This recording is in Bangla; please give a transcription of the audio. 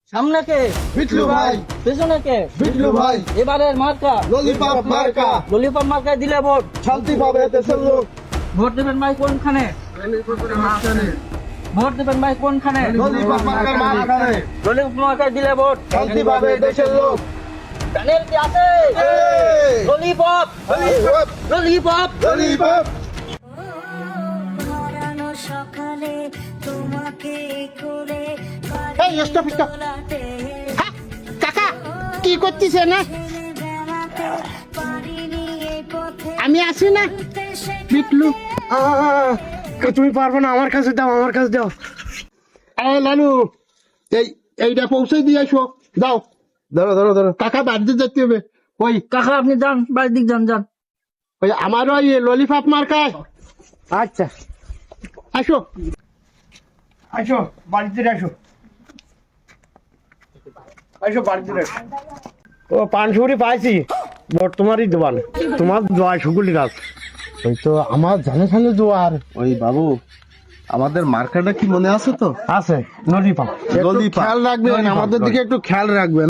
সামনে কে? বিটলু ভাই, পেছনে কে? বিটলু ভাই, এবারের মার্কা ললিপপ মার্কা, ললিপপ মার্কায় দিলে ভোট। শান্তি পাবে দেশের লোক। ভোট দেবেন ভাই কোনখানে? ভোট দেবেন ভাই কোনখানে? ললিপপ মার্কার মাঝখানে, ললিপপ মার্কায় দিলে ভোট। শান্তি পাবে দেশের লোক। প্যানেল কি আছে? এই, ললিপপ ললিপপ, ললিপপ ললিপপ। হারানো সকালে তোমাকে করে এই স্টপ স্টপ। হ্যাঁ, কাকা কি করতেছে না? আমি আসি না বিটলু। তুমি পারবে না, আমার কাছে দাও, আমার কাছে দাও। এই লালু, এইটা পৌঁছে দিয়ে আসো, দাও। ধরো ধরো ধরো। কাকা বাড়িতে যেতে হবে। ওই কাকা আপনি যান, বাড়ির দিক যান যান। ওই আমার ওই ললিপপ মার্কায়। আচ্ছা, আসো আসো, বাড়িতে আসো, আসো বাড়িতে আসো। ও পানসুরি পাইছি, ভোট তোমারই দোয়ান, তোমার দোয়া সুগুলি গাছ। ওই তো আমার জানে জানে দোয়ার। ওই বাবু, আমাদের মার্কাটা কি মনে আছে তো? আছে ললিপপ। ললিপপ। খেয়াল রাখবেন, আমাদের দিকে একটু খেয়াল রাখবেন।